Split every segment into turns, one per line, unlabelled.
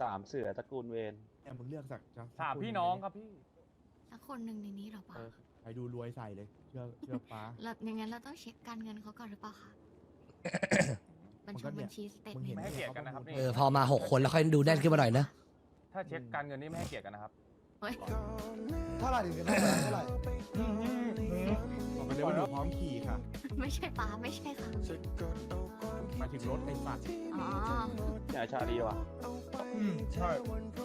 ามเสือตระกูลเวน
แต่มึงเลือกสัก
สามพี่น้องครับพี่
สักคนหนึ่งในนี้เหรอปะ
ใครดูรวยใส่เลยเชื่อป้า
เราอย่างงั้นเราต้องเช็คการเงินเขาก่อนหรือเปล่าคะบัญชีสเตท
มึง
เม
เห็น
น
ไม่ให้เกียรติกันนะครับนี่
พอมา6 คนแล้วค่อยดูแน่นขึ้นมาหน่อยนะ
ถ้าเช็คการเงินนี่ไม่ให้เกียรติกันนะครับ
เฮ้ย
เท่าไหร่ถึงจะได้เท่าไหร่
บอกไปเลยว่าหนูพร้อมขี่ค่ะ
ไม่ใช่ป้าไม่ใช่ค่ะ
มาถึงรถไอ้สัตว์
อ๋อ
เนี่ยชาลีว่ะ
ใช่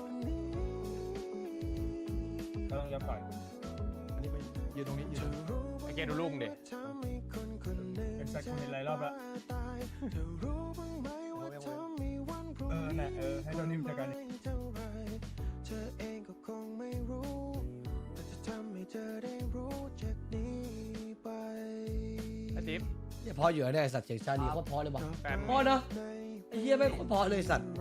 เราต้องยับก่อน
อันนี้ไปยืนตรงนี้ยืน
ไอเกดูลุงดิเป็นสักคนหลายรอบแล้วน่ะให้เจ้านิ่มจัดการไอจิ๊บ
เนี่ยพออยู่เนี่ยสัตว์เสียงชาลีโคตรพอเลยว่ะ
แฟน
พอเนาะไอ้เหี้ยไม่งโคตรพอเลยสัตว์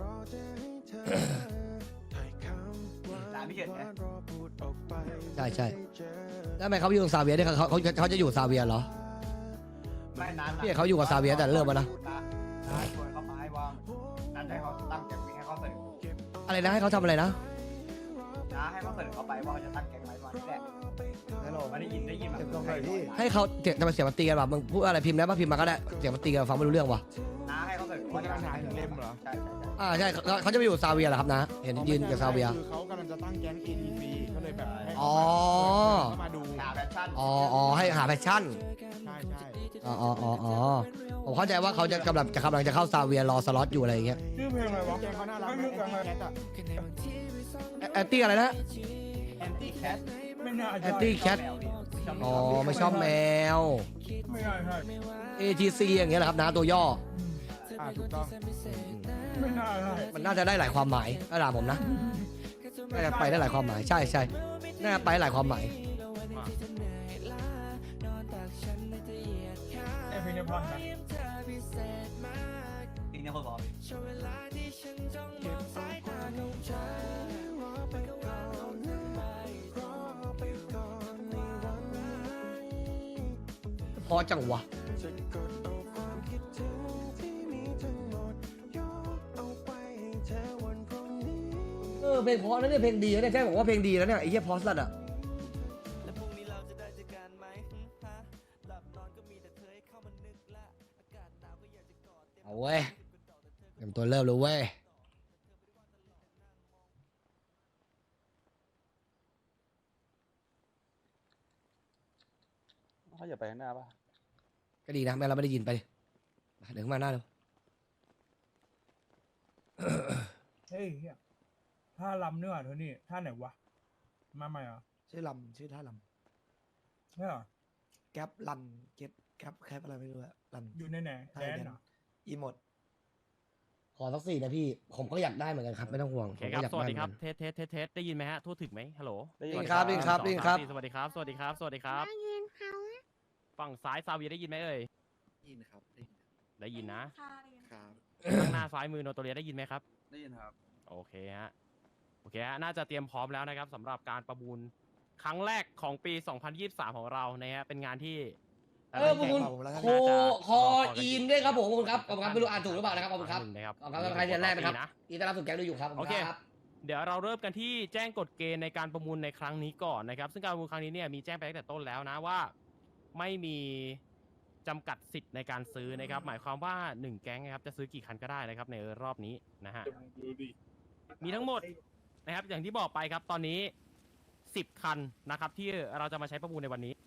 ร้านพี่เกดไง
ใช่แล้วทำไมเขาอยู่กับซาเวียเนี่ยเขาจะอยู่ซาเวียเหรอ
ไม่นาน
พี่เขาอยู่กับซาเวียแต่เริ่มมานะ
น้าชวนเขามาให้ว่านั้นให้เขาตั้งแก๊งให้เขาเสนอ
อะไรนะให้เขาทำอะไรนะ
น้าให้เขาเสนอเขาไปว่าเขาจะตั้งแก๊งไว้วันแรก
ฮัลโหล
ไม่ได้ยินแบบ
เก็บตรงไหนพี่
ให้เขาเสียงมันตีกันว่ะมึงพูดอะไรพิมพ์ได้ป่ะพิมพ์มาก็ได้เสียงมันตีกันฟังไม่รู้เรื่องว่ะ
น้าให้เขาเสนอ
คุ
ว่า
ณ
จะ
กำลั
ตั้
ง
ง
หาถึงเล่มเหรอ
ใช่
เขาจะไปอยู่ซาเวียเหรอครับนะเห็นยืนกับซาเวีย
คือเขากำลังจะตั้งแก๊ง ATC ก็เลยแบบให้
อ๋อ
เขามาดู
หาแฟชั่น
อ๋อให้หาแพชชั่น
ใช่
อ๋อผมเข้าใจว่าเขาจะกำลังจะเข้าซาเวียรอสล็อตอยู่อะไรอย่างเงี้ย
ชื่อเพลงอะไรวะ
แก๊งเขาน่ารักนะแก๊งอะ
แอนตี้อะไรนะ
แอนตี้แคท
ไม่น่า
แอนตี้แคทอ๋อไม่ชอบแมว
ไม่น่าใช่
ATC อย่างเงี้ยแหละครับนะตัวย่อ
ถูกต้อง
ไม่น่าใช่
มันน่าจะได้หลายความหมายถ้าถามผมนะน่าจะไปได้หลายความหมายใช่น่าจะไปหลายความหมาย
ไอเพลงนี้เพราะนะ
จริงเนี่ยคนบอก
พอจังวะเพลงเพราะนะเนี่ยเพลงดีนะเนี่ยแจ้งบอกว่าเพลงดีแล้วเนี่ยไอ้เหี้ยพอสลัดอ่ะเอาเว้ยเตรียมตัวเริ่มเลยเว้ย
เขาอย่าไปข้างหน้าป่ะ
ก็ดีนะแม่เราไม่ได้ยินไปดิเดี๋ยวขึ้นมาหน้าเร็ว
เฮ้ยท่าลำนี่หว่าเธอนี่ท่าไหนวะมาใหม่เหรอ
ชื่อลำชื่อท่าล
ใช่เหรอ
ำแก๊ปลันเก็ตแก๊ปแคปอะไรไม่รู้อะลัน
อยู่ในไหนแดนเหรอ
อีหมด
ขอสัก4นะพี่ผมก็อยากได้เหมือนกันครับไม่ต้องห่วง
โอ
ผ
เค
ม
ค
ก็
รับ
อยาก
สวัส
ได้
ดี
เหมือน
ครั
กับ น
เทสได้ยินไหมฮะทั่วถึงไหมฮัลโหล
ได้
ได้ยินครับได้ยินครับได้ยินครับ
สวัสดีครับสวัสดีครับสวัสดีครับฝั่งซ้ายซาเวียได้ยินไหมเอ่ย
ยินครับ
ได้ยินนะ
ครับ
ข้างหน้าซ้ายมือโนโตเรียได้ยินไหมครับ
ได้ยินครับ
โอเคฮะน่าจะเตรียมพร้อมแล้วนะครับสำหรับการประมูลครั้งแรกของปี 2023 ของเรานะฮะเป็นงานที่
ขอบคุณโคอีนด้วยครับผมขอบคุณครับขอบคุณครับไม่รู้อ่านถูกหรือเปล่านะครับขอบคุณครับ
นะครับ
ขอบคุณครับใครเดือนแรกนะครับอีต้อนรับสู่แก๊งดูอยู่ครับ
โอเค
ครับ
เดี๋ยวเราเริ่มกันที่แจ้งกฎเกณฑ์ในการประมูลในครั้งนี้ก่อนนะครับซึ่งการประมูลครั้งนี้เนี่ยมีแจ้งไปตั้งแต่ต้นแล้วนะว่าไม่มีจำกัดสิทธิ์ในการซื้อนะครับหมายความว่า1แก๊งนะครับจะซื้อกี่คันก็ได้นะครับในรอบนี้นะฮะมีทั้งหมดนะครับอย่างที่บอกไปครับตอนนี้10คันนะครับที่เราจะมาใช้ประมูลในวันนี้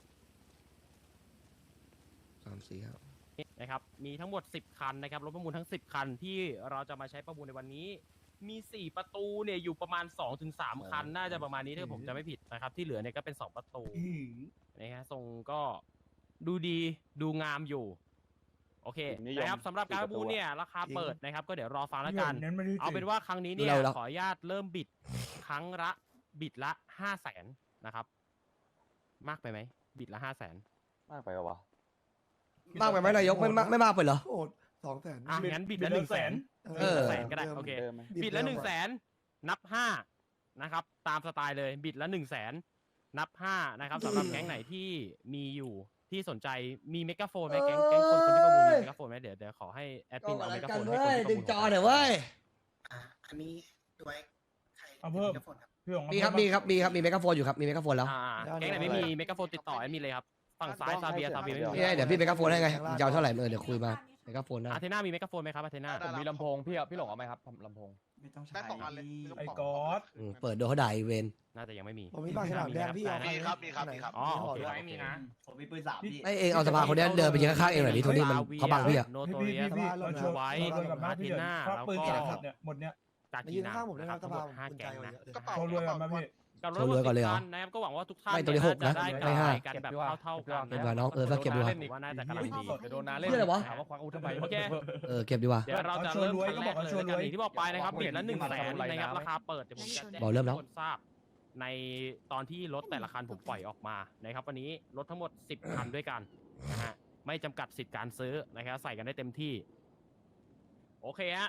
3 4 ครับ
นะครับมีทั้งหมด10คันนะครับรถประมูลทั้ง10คันที่เราจะมาใช้ประมูลในวันนี้มี4ประตูเนี่ยอยู่ประมาณ 2-3 คันน่าจะประมาณนี้ถ้าผมจะไม่ผิดนะครับที่เหลือเนี่ยก็เป็น2ประตูนะฮะทรงก็ดูดีดูงามอยู่โอเคนะครับสำหรับการประมูลเนี่ยราคาเปิดนะครับก็เดี๋ยวรอฟังแล้วกันเอาเป็นว่าครั้งนี้เนี่ยขออนุญาตเริ่มบิดครั้งละบิดละ 500,000 นะครับมากไปไหมบิดละ 500,000
มากไปปะวะ
มากไปไหมนายกไม่มากไปเหรอ
โอ้200,000
อ่ะงั้นบิดละ 100,000
เออ
100,000ก็ได้โอเค
เดิมไหม
บิดละ100,000นับ5นะครับตามสไตล์เลยบิดละ100,000นับ5นะครับสำหรับแก๊งไหนที่มีอยู่ที่สนใจมีเมกะโฟนไหมแก๊งคนที่ประมูลมีเมกะโฟนไหมเดี๋ยวขอให้แอดมินเอาเมกะโฟนให้คนที่ประ
ดึ
มู
ง
ล
จอหน่อยเว้ย
อันนี้
เอาเพิ่มพี่หง
มีครับมีครับมีครับมีเมกะโฟนอยู่ครับมีเมกะโฟนแล้ว
แก๊งไหนไม่มีเมกะโฟนติดต่อมีเลยครับฝั่งซ้ายซาเบียไม่มี
นี่ไงเดี๋ยวพี่เมกะโฟนให้ไงยาวเท่าไหร่เดี๋ยวคุยมาเมกะโฟนได้
อาเทน่ามีเมกะโฟนไหมครับอาเทน่า
ผมมีลำโพงพี่หลงเอาไหมครับลำโพง
ไม่ต้องใช้
ได้2 อันเลย
ไอ้กอด
เปิดโดนเขาด่าอีเวน
น่าจะยังไม่มี
ผมมีปากฉลามแดงพี่เอา
มีครับมีครับมีครับ
อ๋อโอเค
ไม่มีนะผมมีปืน3พี่
ไอเองเอาสภาคนนี้เดินไปยิงข้างๆเองหน่อยดิโทนี่มันเขาบังพี่อะ
โน
พี่
โต
พี่
เรียส
พี่เราชวน
ไว้
เราชวนกับน้าพี่เดือด
อาทิตย์หน้า
ควักปืน
แล้วก็
แจกหมดเนี่ยหมดเนี่ย
กา
มา
กี
ยืน
นา
ข้างผมได้
นะ
ไห
ค
ม
รับ
ส
ทั้งหมด5
ภาคุณ
แก๊
ใจ
ง
วัน
นะ
นี้
กระเป๋า
โชว์รวยก่อนมาพี่
กับ
โชว์รวยก่อนเลยเหรอ
นะครับก็หวังว่าทุกท่าน
ไม่ตัวที่หกนะ
ได้
ไม่ห้า
กันแบบเท่าๆกัน
เก็บดีกว่าน้องสักเก็บดีกว่า
ผมว่าน่าจะกำลังดี
เดี๋ยวโดนน้าเล่น
เพื่ออะไรวะ
ถามว่าควักอาวุธทำไม
โอเค
เก็บดีกว่า
เดี๋ยวเราจะเริ่มขั้นแรกเลยแล้วกันอย่างที่บอกไปนะครับบิดละ100,000นะครับราคาเปิดเดี๋ยวผมจะแจ้ง
บอกเริ่มแล้ว
ให้ทุกคนทราบในตอนที่รถแต่ละคันผมปล่อยออกมานะครับวันนี้รถทั้งหมด10 คันด้วยกันนะฮะไม่จำกัดสิทธิ์การซื้อนะครับใส่กันได้เต็มที่โอเคฮะ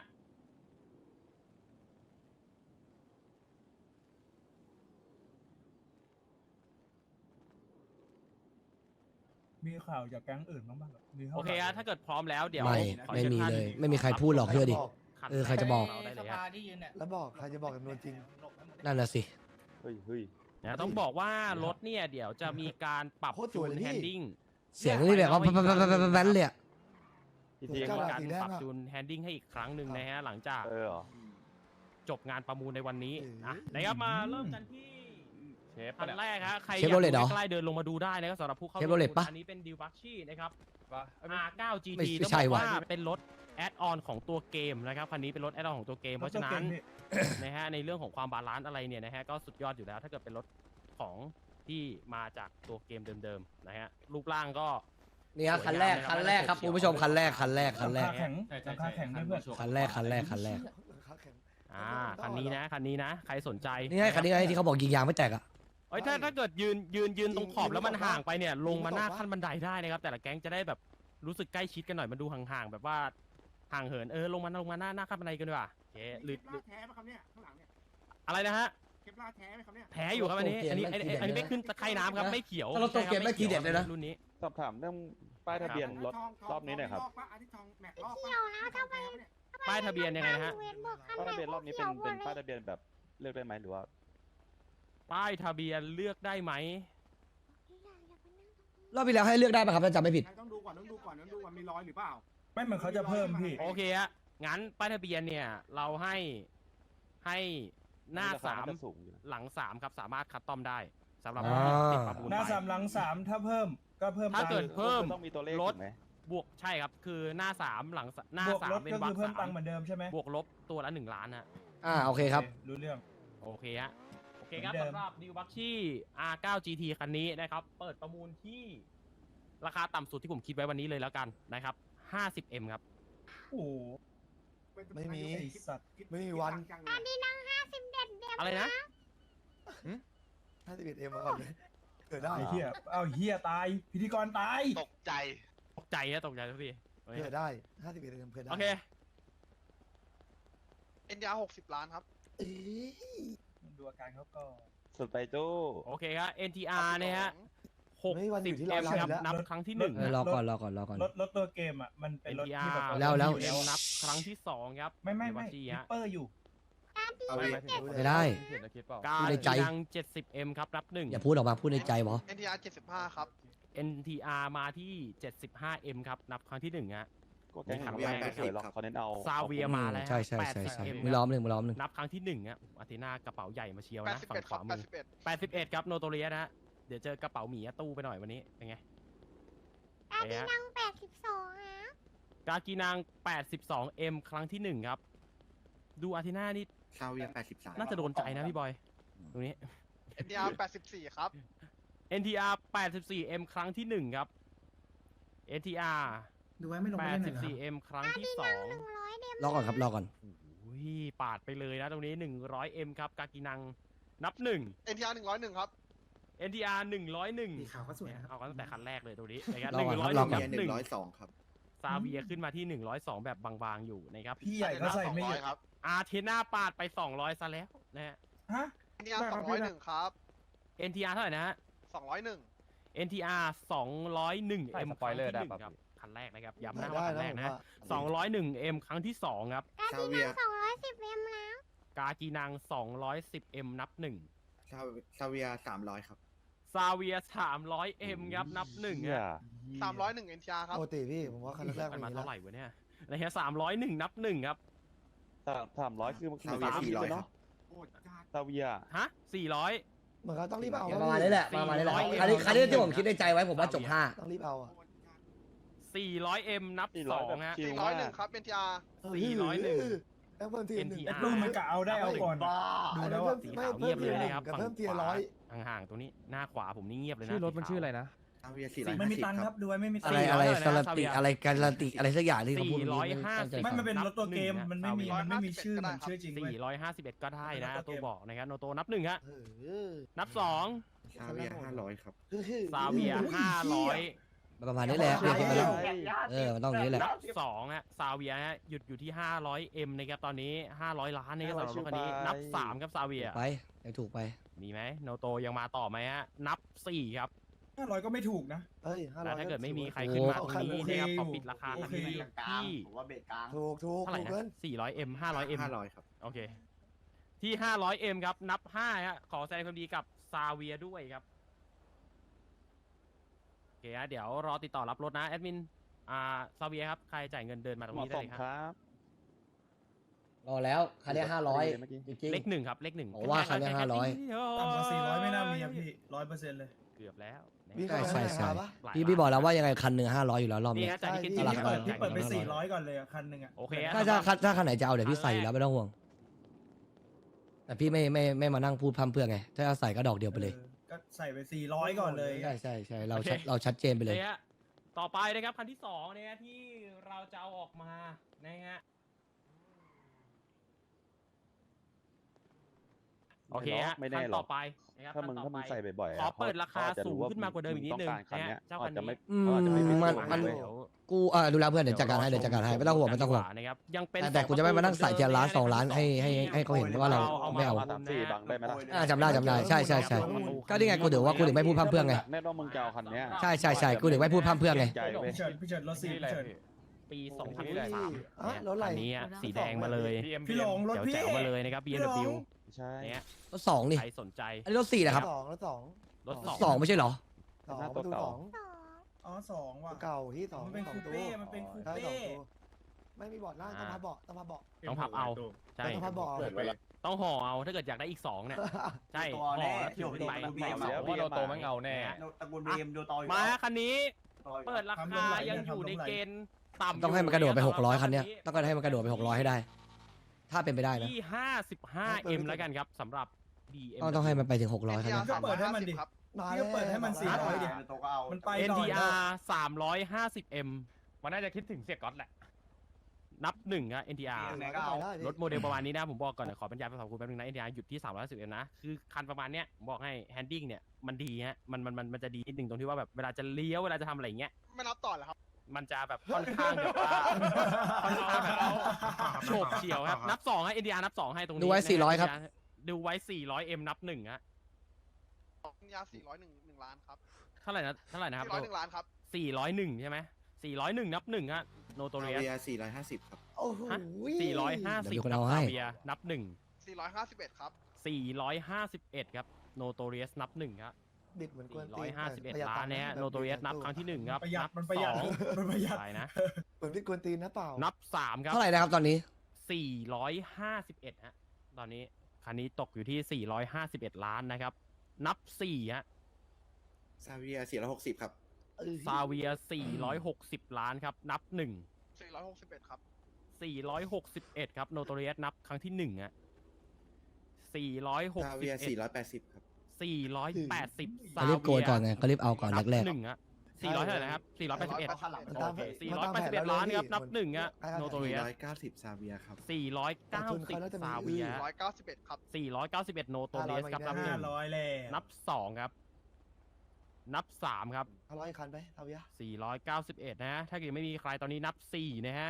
มีข่าวจากแก๊งอื่นบ้างป่ะมี
โอเคฮะถ้าเกิดพร้อมแล้วเดี๋ยว
ไม่
ขอ
ไม่
ชิญ
มี
ท่าน
เลยไม่มีใครพูดหรอกเชื่อดิ
คัน
ใครจะบอก
เราได้เลย
ส
ฮะ
ภาที่ยืนเนี่ย
แล้วบอกใครจะบอกจำนวนจริง
นั่นน่ะสิ
เฮ้ยเฮ้ย
นะต้องบอกว่ารถเนี่ยเดี๋ยวจะมีการปรับ
โคตรส
จู
วย
น
เลยพี่
แฮนดิ้ง
เสียงนี่แบบว่าแว้นเลยอะ
พี่ที
เก้า
มี
ดาว
การ
สีแดง
ปรับ
อะ
จูนแฮนดิ้งให้อีกครั้งหนึ่งนะฮะหลังจาก
เหรอ
จบงานประมูลในวันนี้
เออ
นะนะครับมาเริ่มกันที่
เชฟ
คันแรกฮะใครอ
เชฟ
ยาก
โรเลตเหรอ
ดูใกล้ๆเดินลงมาดูได้นะครับสำหรับผู้เข้า
เชฟโรเลตปะ
อันนี้เป็นดิวบัคชี่นะครับ
ปะ
R9 GT
ไม่
ต้อง
ใช่
บอก
ว่ะ
ว่าเป็นรถแอดออนของตัวเกมนะครับคันนี้เป็นรถแอดออนของตัวเกมเพราะฉะนั้นนะฮะในเรื่องของความบาลานซ์อะไรเนี่ยนะฮะก็สุดยอดอยู่แล้วถ้าเกิดเป็นรถของที่มาจากตัวเกมเดิมๆนะฮะรูปร่างก็
นี่ฮะคันแรกครับคุณผู้ชมคันแรก
หลังคาแข็งหลังคาแข็งด้วยเพื่อน
คันแรก
ขาแข็ง
คันนี้นะใครสนใจ
นี่ไงคันนี้ไงที่เขาบอกยิงยางไม่แตกอะ
เอ้ยถ้าเกิดยืนตรงขอบแล้วมันห่างไปเนี่ยลงมาหน้าขั้นบันไดได้นะครับแต่ละแก๊งจะได้แบบรู้สึกใกล้ชิดกันหน่อยมันดูห่างๆแบบว่าห่างเหินลงมาหน้าขั้นบันไดกันดีกว่าโอเคหรือ
แท้ไหมครับเนี่ยข้างหลังเนี่ย
อะไรนะฮะ
เคปลาแท้ไหมครับเนี่ย
แท้อยู่ครับอันนี้ไม่ขึ้นตะไคร่น้ำครับไม่เขียว
ถ้ารถตัวเกมไม่ทีเด็ดเลยนะ
รุ่นนี้
สอบถามเรื่องป้ายทะเบียนรถรอบนี้หน่อยครับ
อันนี้ทองแม็กลอก
เกี่ยวแล้วทำไม
ป้ายทะเบียนยังไงนะฮะ
ป้ายทะเบียนรอบนี้เป็นป้ายทะเบียนแบบเลือกได้ไหมหรือว่า
ป้ายทะเบียนเลือกได้ไหม
รอบที่แล้วให้เลือกได้ป่ะครับถ้าจำไม่ผิด
ต้องดูก่อนมีรอยหรือเปล่า
ไม่เหมือนเขาจะเพิ่มพี่
โอเคฮะงั้นป้ายทะเบียนเนี่ยเราให้หน้า
ราค
สาม
จะสูงอยู่นะ
หลัง3ครับสามารถคัดต้อมได้สำหรับ
อ่า
ติดประมูล
หน้า
ไป
สามหลังสามถ้าเพิ่มก็เพิ่ม
ถ้าเกิด
ตังค์
เพิ่ม
ต้องมีตัวเลข
รถ
ถูกไหม
บวกใช่ครับคือหน้า3หลังหน้า
บวกรถ
3เป็น
ก็
วร
คื
ร
อ
ค
เพิ่มตั
สาง
ค์
ม
เหมือนเดิมใช่ไหม
บวกลบตัวละ1 ล้านฮะ
โอเคครับ
รู้เรื่อง
โอเคฮะโอเคครับ
เหมือนเดิม
สำหรับดิวบัคชี่ R9 GT คันนี้นะครับเปิดประมูลที่ราคาต่ำสุดที่ผมคิดไว้วันนี้เลยแล้วกันนะครับ 50M ครับ
โอ้โห
ไม่มี
ไอสัตว์
ไม่มีวัน
อะไรนะ
51M มาก่อนเลยเกิดได้
ไอ้เหี้ยเอาเหี้ยตายพิธีกรตาย
ตกใจ
ตกใจทุกทีโอเค
เกิดได้ 51M เกิดได้
โอเค
NDR 60 ล้านครับ
เอ้ย
ดูอาการเขาก็
สุดไปจู้
โอเคครับ NTR นะฮะ
ไม่วันอยู่ที่เรา
60M ครับ
แล้ว
นับครั้งที่หนึ่ง
รอก่อน
รถตัวเกมอ่ะมันเป็นรถที่แบบ
แล้ว
60M นับครั้งที่2ครับ
ไม่
ดิว
ไม่
บัคชี่
ฮิป
ฮะ
เปอร์อยู่
ไม่ได้
เขียนตะคิดเปล่า
การ
ในใจ
กีนัง 70M ครับนับหนึ่ง
อย่าพูดออกมาพูดในใจบอ
NDR 75 ครับ
NTR มาที่ 75M ครับนับครั้งที่1ฮะ
ก็แก๊งหางแรกไม่สวยหรอกเขาเน้นเอา
ซาเวียมาแล้ว
ใช่
80M
มือล้อมหนึ่ง
นับครั้งที่1ฮะอาร์เทน่ากระเป๋าใหญ่มาเชียวนะฝั่ง
81
ข
ครั
วามือ
บ
81ครับโนโตเรียนะฮะเดี๋ยวเจอกระเป๋าหมีตู้ไปหน่อยวันนี้เป็นไง
นั่ง82ฮะ
กากีนาง 82M ครั้งที่ 1 ครับ ดูอาร์เทน่านี่
ซาเวีย83
น่าจะโดนใจนะพี่บอย ตรงนี้
NDR 84 ครับ
NTR 84M ครั้งที่ 1 ครับ NTR
ดูไว้ไม่ลงไปเล่นหน่อย
84M ครั้งที่
100เดม
รอก่อนครับรอก่อน
2อุ้ยปาดไปเลยนะตรงนี้ 100M ครับ กากีนังนับ
NTR 101 ครับ
1 NTR 101
สีขาวก็สวยนะครับ
เอากันตั้งแต่คันแรกเลยตรงนี้นะครับ
รอก่อนครับ
101
รอก่อน
ครับ
102 ครับ
ซาเวียขึ้นมาที่ 102 แบบบางๆอยู่นะครับ
พี่ใหญ่ก็ใส่ไม่เยอะ
200 ครับ
อาร์เทน่าปาดไป 200ซะแล้วนะฮะ
ฮะ
NDR 201 ครับ
NTR เท่าไหร่นะฮะ
201
NTR 201M
ใส่สปอยเลอร์ได้
ครั้งที่
ปะ
1ครับคันแรกนะครับย้ำนะ
ได้
ว่าคันแร
นะ
ก
ผม
นะ
ว่า
201M ครั้งที่ 2 ครับ
การที่นั่ง210เดมแล้ว
กากีนัง 210M นับหนึ่ง
ซาเวีย300ครับ
ซาเวีย 300M ครับนับหนึ่ง
เหี้ย
ฮะ
301 NTR ครับ
ปกติพี่ผมว่าคันแรกๆ
กั
มัน น
มา
มี
เท่า
แล้ว
ไหร่วะเนี่ยนะฮะ301นับหนึ่งครับ
300คือมัน
ซาเวีย
300
400
เนาะซาเวีย
ฮะ 400
เหมือนเขาต้องรีบเอา
ประมาณนี้แหละประมาณนี้แหละคันนี้ที่ผมคิดในใจไว้ผมว่าจบห้า
ต้องรีบเอาอ่ะ
400M นับ
400
2ฮะ
ชิล
401 ครับ NTR
401
แล้วเพิ่มทีหนึ่ง
NTR
ดูมันกะเอาได้เอาก่อน
บ้า
ดู
อัน
แล้
นั้น
ว
เพิ่
อะ
มไม่
สีขาว
เพิ่
เงีย
ม
บ
ที
เลย
หนึ่ง
นะครับ
กับ
ฝั่ง
เพิ่มที
ขวา
ร้อย
ห่างๆตรงนี้หน้าขวาผมนี่เงียบเลยนะ
ชื่อรถมันชื่ออะไรนะ
ซาเวีย
ไม่มีตังค์ครับดูไว้ไม่มีตัง
อะไร
ค์
อะไร
400
การันติอะไรการันติอะไรสักอย่างที่เขาพูด
450
ไม่มันเป็นรถตัวเกม
นับ
มันไม่มี
หนึ่ง
มันไม่มีชื่อเหมือนชื่อจริงเว้ย
451ก็ได้นะ
มันเป็นรถตัวเกม
ตัวบอกนะครับโนโตนับหนึ่งฮะ
เออ
นับ2
ซาเวีย500ครับ
ซาเวีย
ประมาณนี้แหละเรียกกันไปแล้วมันต้องอย่างนี้แหละ
500 นับ2ฮะซาเวียฮะหยุดอยู่ที่ 500M นะครับตอนนี้ 500 ล้านนะครับสำหรับรถคันนี้นับ3ครับซาเวีย
ไปยังถูกไป
มีไหมโนโตยังมาต่อไหมฮะนับ4ครับ
500ก็ไม่ถูกนะ
เฮ้ย500
แล้วถ้าเกิดไม่มีใครขึ้นมาตรงนี้นะครับขอปิดราคาคันนี้
กลาง
ที่
ผมว่าเบรกกลาง
ถูก
เท่าไหร่
ถูก
นะ
เกิน
400M 500M
500ครับ
โอเค ที่ 500M ครับ นับ5ฮะ ขอแสดงความดีกับซาเวียด้วยครับ โอเคฮะ เดี๋ยวรอติดต่อรับรถนะแอดมิน ซาเวียครับ ใครจ่ายเงินเดินมาตรง
เหมาะ
นี้
ส
ได้
ม
เลย
ค
ครับ
รับ
รอแล้วคันนี้500
เมื่อกี้
จริง
เลขหนึ่งครับ เลขหนึ่ง
ผมว่าคันนี้500
ต่ำกว่า400ไม่น่ามีอะพี่100%เลย
เกือบแล้วนะ
วิ่ง
ใช่
เข้าไป
ใช่
หาปะ
หลาย
พี่บอกแล้วว่ายังไงคันหนึ่ง500อยู่แล้วรอบ
นี่
นี้
ฮะจ่ายที่
ใช่
เก
พี่
น
เปิดไป
จ่าย
400ก่อนเลยอะคันหนึ่งอะ
โอเคฮะ
ถ้าคันไหนจะเอาเดี๋ยวพี่ใส่อยู่แล้วไม่ต้องห่วง แต่พี่ไม่มานั่งพูดพร่ำเพรื่อไง ถ้าเอาใส่ก็ดอกเดียวไปเลย
ก็ใส่ไป400ก่อนเลย
ใช่เราชัดเจนไปเลย
ฮะต่อไปนะครับคันที่2นะฮะที่เราจะเอาออกมานะฮะ โอเคฮะ
ไม่
คั
แน่
น
หร
ต่
อ
อก ไปนะครับ
ถ้ามึง
คัน
ถ้า
ต่
มึ
อง ไป
ใส่บ่อยๆ
ขอเปิดราคา
ขจะ
สูงขึ้นมากว่าเดิมอีกนิดนึง
ต้องการคัน
นะ
เนี้
ฮะ
ย
เจ้า
เขา
คัน
จะไม่
นี้
เขาจะไม่เป็น
มัน
ตัว
มัน
เว้ย
กูดูแลเพื่อนเดี๋ยวจัดการให้ไม่ต้องห่วง
นะครับยังเป็น
แต่กูจะไม่มานั่งใส่ทีละล้าน2 ล้านให้เขาเห็นว่าเราไม่เอา
มา3-4บังได้ไหมล่ะ
จำได้ใช่ก็นี่ไงกูถือว่ากูถึงไม่พูดพร่ำเพรื่อไง
แน่นอนมึงจะเอาคันเนี้ย
ใช่กูถึงไม่พูดพร่ำเพรื่อไง
ใจเว้ย
พี่เฉิดรถสี่พี่เฉิด
ปี
อ่ะ
2023
รถอะไร
คันนี้อะสีแดงมาเลย
พี่หลงรถพี่
แจ๋วๆมาเลยนะครับ BMW
ใช่
เนี่ย
รถ2นี่
ใครสนใจ
อันนี้รถ4นะครับ
สองแล้วสอง
รถ
สองไม่ใช่เหรอ
สองประตูสอง
อ๋อ2ว่ะ
เก่าที่สอง
มันเป็น
สอง
คูเป้มันเป็นคู
ใช่
เป้
สองตัวไม่มีเบาะนั่งต้องพับเบาะต้องพับเบาะ
ต้องพับเอาใช่
ต้องพับเบาะ
ต้องห่อเอาถ้าเกิดอยากได้อีก2เนี่ยใช่
ตัว
ห่อ
แน่
แล้วถือขึ้นไป
ดู
ไม่
BM
เอา
เพราะว่าเราโตไม่เงาแน่
ตระกูลบีเอ็มดูต่ออยู่
มาคันนี้
ต่ออยู่
เปิดราคายังอยู่ในเกณฑ์ต่ำ
ต้องให้มันกระโดดไป600คันเนี้ยต้องให้มันกระโดดไป600ให้ได้ ถ้าเป็นไปได้นะ
ที่ 55M แล้วกันครับสำหรับ BM
ต้องให้มันไปถึง600คัน
NTR
นี้
ก็เปิดให้มันดิ
350ครับ
มา
พี่ก็เปิดให้มัน400ดิ
โตก็เอา
มันไปหน่อย
NTR 350M
มันน่าจะคิดถึงเสียก๊อตแหละ
นับ1ฮะ NTR
ไหนก็เอา
รถโมเดลประมาณนี้นะผมบอกก่อนนะขอบรรยายภาษาคุณแป๊บนึงนะ NTR หยุดที่310M นะคือคันประมาณเนี้ยผมบอกให้แฮนดิ้งเนี่ยมันดีฮะมันจะดีนิดนึงตรงที่ว่าแบบเวลาจะเลี้ยวเวลาจะทำอะไรอย่างเงี้ย
ไม่นับต่อเหรอครับ
มันจะแบบค่อนข้างแบบว่าค่อนข้างแบบโฉบเฉี่ยวครับนับ2ให้ NTR นับ2ให้ตรงนี้
ดูไว้
นะฮะ
400ครับ
ดูไว้ 400M นับ1ฮะ
NTR 401 ล้านครับ
เท่าไหร่นะครับ
401 ล้านครับ
401ใช่ไหม401นับ1ฮะโนโต
ซา
เรีย
เวีย450ครับ
โอ้โห
450
เดี๋ยวมีคน
กับ
เอาให้
ซาเบียนับ1
451 ครับ
451ครับโนโตเรียสนับ1ครับ
บิดเหมือนกวนตีน
451ล้านเนี่ยโนโตเรียสนับครั้งที่1ครับ
ประหยัด
นับ
มันประหยัด
สอง
มันประหยัด
ใช่นะ
เหมือนพี่กวนตีนนะเปล่า
นับ3ครับ
เท่าไหร่นะครับตอนนี้
451ฮะตอนนี้คันนี้ตกอยู่ที่451ล้านนะครับนับ4ฮะ
ซาเวีย460ครับ
ซาเวีย460ล้านครับนับ1
461 ครับ
461ครับโนโตเรียสนับครั้งที่1ฮะ
ซาเวีย
461
480ครับ
480
เขารีบโกยก่อนไงเขารีบเอาก่อนแรก
หนึ่งอะ400เท่าไหร่นะครับ481
ข้างหลัง
มันตาม
โอเค481ล้านครับนับ1อะโนโตเรียส
490ซาเวียครับ
490ซาเวีย
191 ครับ
491โนโตเรียสครับนับ1
500แล้ว
นับ2ครับนับ3ครับ
เอาร้อยคันไปเอาเยอะ
491นะฮะถ้าเกิดไม่มีใครตอนนี้นับ4นะฮะ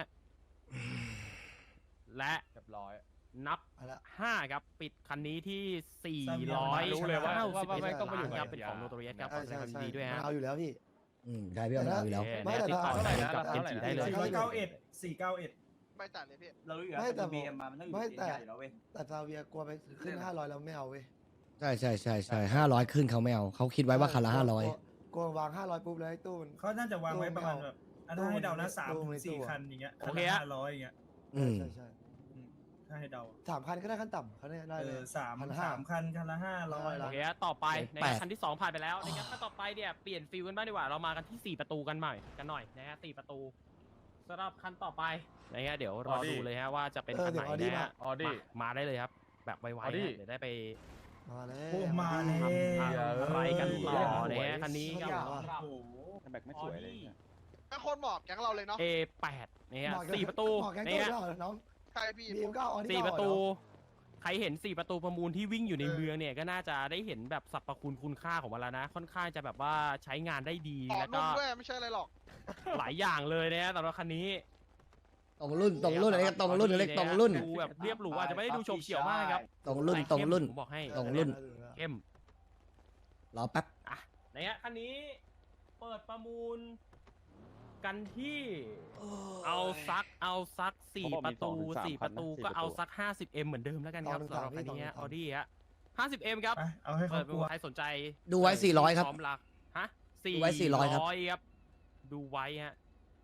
และ
เรียบร้อย
นับ
เอาละ
5ครับปิดคันนี้ที่400
รู้เลยว่าไม่ต้องมาอยู่
ครับ
กับ
เป็นของโนโตเรียสครับขอแสดงความยินดีด้วย
มัน
ฮะ
เอาอยู่แล้วพี่
ใช่พี่เอาอยู่แล้ว
โอเค
ไม่
เนี่ย
แต่
ติดต่อ
เท่าไหร่
กับ
นะ
เอ็นจีได้เลย
491 491
ไปจัดเลยพี่
เรารู้อยู่แล้ว
ไม่แต่
บีเอ็มมามันต้องอยู่
ไม่
ทีม
แต่
ใหญ่แล้วเว้ย
แต่ซาเวียกลัวไปขึ้น500แล้วไม่เอาเว้ย
ใช่500ขึ้นเขาไม่เอาเขาคิดไว้ว่าคันละ500
กลัววาง500ปุ๊บแล้วไอ้ตู้มัน
เขาน่าจะวางไว้ประมาณแบบอันถ้าให้เดานะ3
ตู้
ถึ
ไม่
ง
ตู้
4
อะ
คันอย่างเงี้ย
โอเคอะ
500อย่างเงี้ย
อืม
ใช่
ถ้าให้เดา
3 คันก็ได้ขั้นต่ำเขาเนี่ยได้เลย
สาม
1,500
คันคันละ500
โอเคฮะต่อไปนะ
แป
ฮะ
ด
คันที่ 2 ผ่านไปแล้วนะครับถ้าต่อไปเนี่ยเปลี่ยนฟิลกันบ้างดีกว่าเรามากันที่ 4 ประตูกันหน่อยนะฮะ4 ประตูสำหรับคันต่อไปนะฮะเดี๋ยวรอดูเลยฮะว่าจะเป็นคันไหนนะฮะ
ออดี้
มาได้เลยครับ แบบไวๆ
Audi
ฮะเดี๋ยวได้ไป
มาแล้
โอ้
ว
มาแล้ว
อะไรกันต่อนะฮะคันนี้ครับ
โอ้โห
แบ็คไม่สวยเลยเนี่ย
เป็นคนเหมาะแก๊งเราเลยเนาะ
A8 นะฮะ4 ประตู
บอกแกง
นะ
ตู้
ฮะ
ก็เอาน้อง
ใช่พี่
บีมก็เอาอันนี้
4
ก็
ประ
เอา
ตู
เนาะ
ใครเห็น 4 ประตูประมูลที่วิ่งอยู่ในเมืองเนี่ยก็น่าจะได้เห็นแบบสรรพคุณค่าของมันแล้วนะ ค่อนข้างจะแบบว่าใช้งานได้ดี
ออก
แล้ว
นุ่
ก็
มด้วยไม่ใช่อะไรหรอก
หลายอย่างเลยนะฮะสำหรับคันนี้
ตรงรุ่นอะไรกันตรงรุ่นเล็กตรงรุ่น
ดูแบบเรียบหรูอาจจะไม่ได้ดูโฉบเฉี่ยวมากครับ
ตรงรุ่น
ผมบอกให้
ตรงรุ่น
เข้ม
รอแป๊บ
อ่ะนะฮะคันนี้เปิดประมูลกันที่เอาซัก4 ประตู 4 ประตูก็เอาซัก 50M เหมือนเดิมแล้วกันครับสำหรับคันนี้ออดี้ฮะ 50M ครับ
ไปเอาให้
เปิ
เขา
ด
กลัว
ใครสนใจ
ดูไว้400ครับ
พร้อมรักฮะ
ดูไว้400ครับ
ครับ ดูไว้ฮะ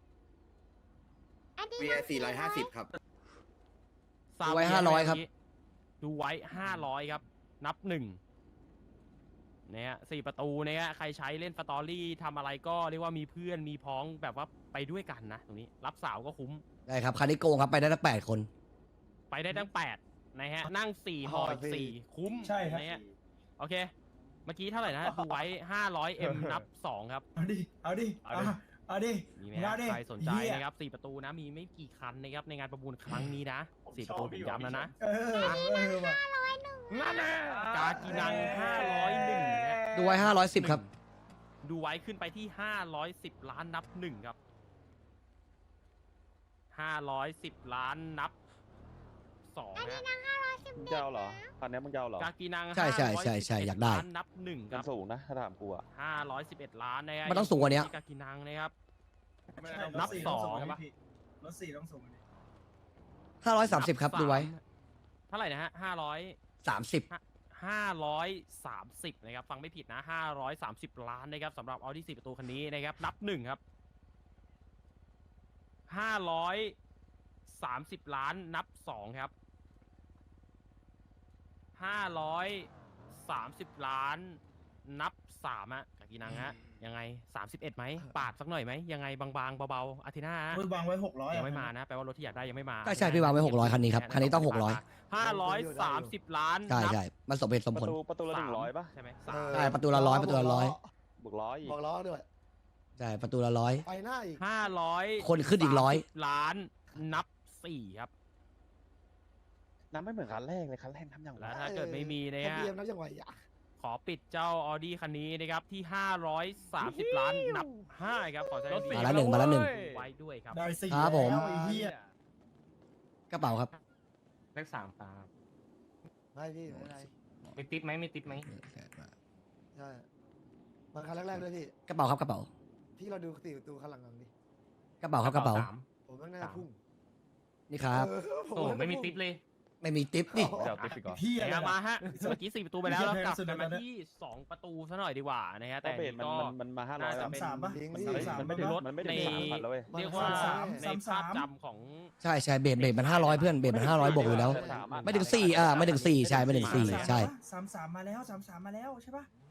อันนี้
VI 450 ครับ
ดูไว้500ครับ
ดูไว้500ครับ นับ1เนี่ย4 ประตูเนี่ยใครใช้เล่นสตอรี่ทำอะไรก็เรียกว่ามีเพื่อนมีพ้องแบบว่าไปด้วยกันนะตรงนี้รับสาวก็คุ้ม
ได้ครับคันนี้โกงครับไปได้ทั้ง8คน
ไปได้ทั้ง8นะฮะนั่ง4หออีก4คุ้ม
ใช่ครับ
นะฮะโอเค เมื่อกี้เท่าไหร่นะดูไว้ 500M นับ 2 ครับ
เอาดิเอาดิเอาดิ
มีไหม
เอา
ฮะ
ดิ
ใครสนใจ
เหี้ย
นะครับ4 ประตูนะมีไม่กี่คันนะครับในงานประมูลครั้งนี้นะ4 ประตูผมย้ำแล้วนะ
ว่ะ
นั่นแหละกากินัง501ฮะ
ดูไว้510ครับ
ดูไว้ขึ้นไปที่510 ล้านนับ1ครับ510 ล้านนับ2นะ
มึงจะเอาเหรอคันนี้มึงจะเอาเหรอก
ากินัง
ใช่อยากได้
ล้านนับ1ค
มัน
รับ
สูงนะถ้าถามกูอะ
511 ล้านนะฮะ
มันต้องสูงกว่านี้
ที่กากินังนะครับ
นับ
สอง
รถ4ต้องสูงกว่านี้
530ครับดูไว้
เท่าไหร่นะฮะ
30
530นะครับฟังไม่ผิดนะ530 ล้านนะครับสำหรับ Audi 4 ประตูคันนี้นะครับนับ1ครับ530 ล้านนับ2ครับ530 ล้านนับ3ฮะกากินังฮะยังไง31ไหมปาดสักหน่อยไหมยังไงบางๆเบาๆอาทิตย์หน้าฮะ
วางไว้600
ยังไม่มานะแปลว่ารถที่อยากได้ยังไม่มา
ใช่พี่วางไว้600คันนี้ครับคันนี้ต้อง
530 ล้าน
ใช่มันสมเหตุสม
ป
ผล
ระตูละ100ป่ะ
ใช่ไหม
ใช่ประตูละ100ประตูละ100
บวก100อีก
บอกล้อด้วย
ใช่ประตูละ100
ไปหน้าอีก
500
คนขึ้นอีก100
ล้านนับ4ครับ
น้ำไม่เหมือนคันแรกเลยคันแรกทำอย่างไร
แล้วถ้าเกิดไม่มีนะ
ทะ
ฮะ
เบียนนับยังไหวอ่ะ
ขอปิดเจ้า Audi คันนี้นะครับที่530 ล้านนับ5ครับขอแสดง
มาละหนึ่งมาละหนึ่ง
ไว้ด้วยครับ
ได้4
ครับผม
แล้วไอ้เหี้ย
กระเป๋าครับ
เลข3ครับ
ไม่พี่ไม่เป็นไร
มีติ๊บไหมมีติ๊บไหม
ใช่มาคันแรกๆด้วยพี่
กระเป๋าครับกระเป๋า
พี่เราดู4 ประตูคันหลังๆดิ
กระเป๋าครับกระเป๋า
ผมว่าน่าจะพุ่ง
นี่ครับ
ผ
โอ้
ว่าน่าจะ
ไม่มี
พุ่ง
ติ๊บเลย
ไม่มีทิปนี่
เดี๋ยวติ๊บไปก่อน
เหี้ย
นะครับ
อะไร
มา
นะ
ฮะเมื่อกี้4 ประตูไปแล้วแล้วกลับ
สุด
กัน
แล้
มาว
นะ
ที่ 2 ประตูซะหน่อยดีกว่านะฮะ
แต่
แต่
เบส
นี่ก็
มันมา
น่า
500
จะ
แล้ว
เป็น
3ป่ะ
ลิงก์
มัน
นี่
33
มันไม่ถึงมันไม่ถึง
ใน
3,000แล้วเว้ย
เรียกว่า
33
ในภาพจำของ
ใช่เบสมัน500เพื่อนเบสมัน500บวกอยู่แล้ว ไม่ถึง4ไม่ถึง4ใช่ไม่ถึง4ใช่
33มาแล้ว33มาแล้วใช่ปะ